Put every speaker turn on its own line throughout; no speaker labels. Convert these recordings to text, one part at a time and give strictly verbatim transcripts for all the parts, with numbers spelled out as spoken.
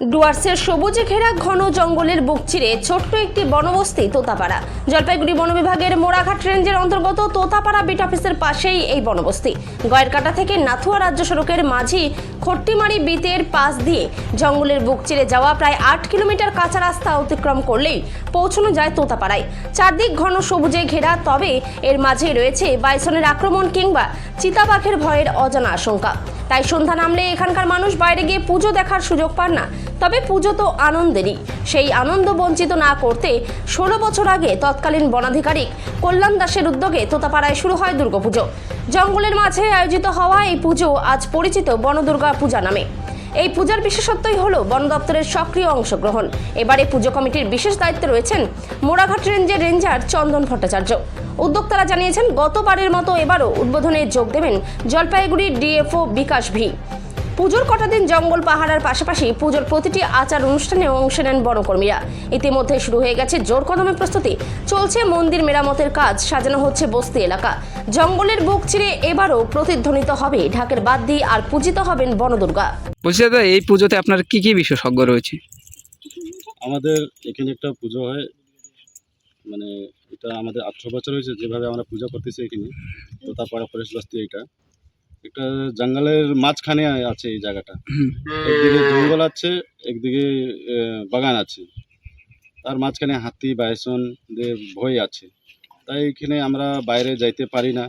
ডুয়ার্সের সবুজে ঘেরা ঘন জঙ্গলের বুক চিরে ছোট্ট একটি বনবস্তি তোতাপাড়া। জলপাইগুড়ি বন বিভাগের মোড়াঘাট রেঞ্জের অন্তর্গত তোতাপাড়া বিট অফিসের পাশেই এই বনবস্তি। গয়েরকাটা থেকে নাথুয়া রাজ্য সড়কের মাঝি খট্টিমারি বিতের পাশ দিয়ে জঙ্গলের বুক চিরে যাওয়া প্রায় আট কিলোমিটার কাঁচা রাস্তা অতিক্রম করলেই পৌঁছানো যায় তোতাপাড়ায়। চারদিক ঘন সবুজে ঘেরা, তবে এর মাঝে রয়েছে বাইসনের আক্রমণ কিংবা চিতাবাঘের ভয়ের অজানা আশঙ্কা। তাই সন্ধ্যা নামলে এখানকার মানুষ বাইরে গিয়ে পুজো দেখার সুযোগ পান না। তবে পুজো তো আনন্দেরই, সেই আনন্দ বঞ্চিত না করতে ষোলো বছর আগে তৎকালীন বনাধিকারিক কল্যাণ দাসের উদ্যোগে তোতাপাড়ায় শুরু হয় দুর্গাপুজো। জঙ্গলের মাঝে আয়োজিত হওয়া এই পুজো আজ পরিচিত বনদুর্গা পূজা নামে। এই পূজার বিশেষত্বই হলো বন দপ্তরের সক্রিয় অংশগ্রহণ। এবারে পুজো কমিটির বিশেষ দায়িত্বে রয়েছেন মোড়াঘাট রেঞ্জের রেঞ্জার চন্দন ভট্টাচার্য। উদ্যোক্তারা জানিয়েছেন, গতবারের মতো এবারও উদ্বোধনে যোগ দেবেন জলপাইগুড়ি ডিএফও বিকাশ ভি। পুজোর কটা দিন জঙ্গল পাহারার পাশাপাশি পুজোর প্রতিটি আচার অনুষ্ঠানে অংশ নেন বনকর্মীরা। ইতিমধ্যে শুরু হয়ে গেছে জোর কদমে প্রস্তুতি, চলছে মন্দির মেরামতের কাজ, সাজানো হচ্ছে বস্তি এলাকা। জঙ্গলের বুক চিরে এবারও প্রতিধ্বনিত হবে ঢাকের বাদ্যি আর পূজিত হবেন বনদুর্গা।
বলছি দাদা, এই পুজোতে আপনার কি কি বিশেষজ্ঞ রয়েছে?
আমাদের এখানে একটা পুজো হয়, মানে এটা আমাদের আঠারো বছর হয়েছে যেভাবে আমরা পূজা করতেছি এখানে তোতাপাড়া ফরেস্ট বস্তি। এটা একটা জঙ্গলের মাঝখানে আছে এই জায়গাটা। একদিকে জঙ্গল আছে, একদিকে বাগান আছে, তার মাঝখানে হাতি বাইসনদের ভয় আছে। তাই এখানে আমরা বাইরে যাইতে পারি না।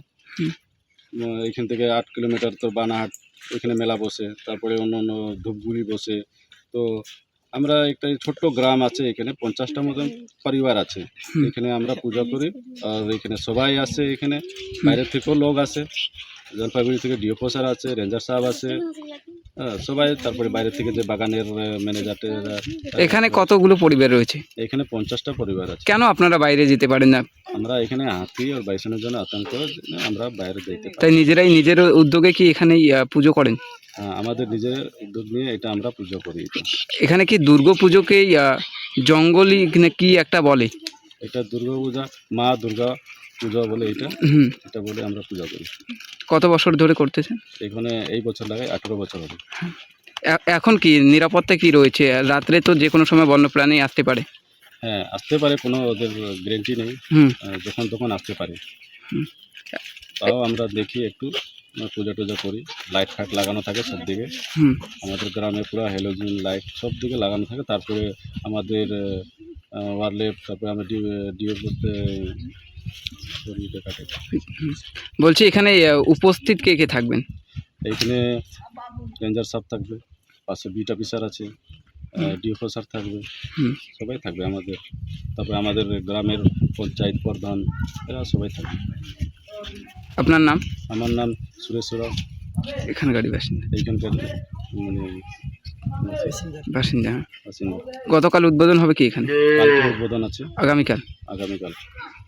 এখান থেকে আট কিলোমিটার তো বানাহাট, ওইখানে মেলা বসে, তারপরে অন্য অন্য ধূপগুড়ি বসে। তো আমরা একটা ছোট্ট গ্রাম আছে, এখানে পঞ্চাশটা মতন পরিবার আছে। এখানে আমরা পূজা করি আর এখানে সবাই আসে, এখানে বাইরের থেকেও লোক আসে, জলপাইগুড়ি থেকে ডিওপো স্যার আছে, রেঞ্জার সাহেব আছে, হ্যাঁ সবাই। তারপরে বাইরে থেকে যে বাগানের ম্যানেজার।
এখানে কতগুলো পরিবার রয়েছে?
এখানে পঞ্চাশটা পরিবার আছে।
কেন আপনারা বাইরে যেতে পারেন না?
আমরা এখানে হাতি আর বাইসনের জন্য আতঙ্ক, আমরা বাইরে যেতে পারি।
তাই নিজেরাই নিজের উদ্যোগে কি এখানে পুজো করেন?
হ্যাঁ, আমাদের নিজের উদ্যোগ নিয়ে এটা আমরা পুজো করি।
এখানে কি দুর্গা পুজোকে জঙ্গলি কি একটা বলে?
এটা দুর্গা পূজা, মা দুর্গা পূজা বলে এটা
হুম
এটা বলে আমরা পূজা করি।
কত বছর ধরে করতেছেন?
এখানে এই বছর লাগাই আঠেরো বছর হবে।
এ- এখন কি নিরাপত্তা কি রয়েছে? রাত্রে তো যে কোনো সময় বন্যপ্রাণী আসতে পারে।
হ্যাঁ, আসতে পারে, কোনো ওদের গ্যারেন্টি নেই,
হুম
আহ, যখন তখন আসতে পারে।
হুম।
তাও আমরা দেখি একটু পূজা টুজা করি, লাইট ফাইট লাগানো থাকে সব দিকে।
হুম
আমাদের গ্রামে পুরো হ্যালোজিন লাইট সব দিকে লাগানো থাকে। তারপরে আমাদের ওয়ারলেট, তারপরে আমরা ডিও করতে কাটে।
বলছি এখানে আহ, উপস্থিত কে কে থাকবেন?
এইখানে রেঞ্জার সাহেব থাকবে, পাশে বিট অফিসার আছে, ডিওপো স্যার থাকবে,
হুম
সবাই থাকবে আমাদের। তারপরে আমাদের গ্রামের পঞ্চায়েত প্রধান, এরা সবাই থাকবে।
আপনার নাম?
আমার নাম সুরেশ রাও,
এখানকারই বাসিন্দা।
এইখানকার মানে
বাসিন্দা হ্যাঁ।
বাসিন্দা।
গতকাল উদ্বোধন হবে কি এখানে?
কালকে উদ্বোধন আছে,
আগামীকাল?
আগামীকাল।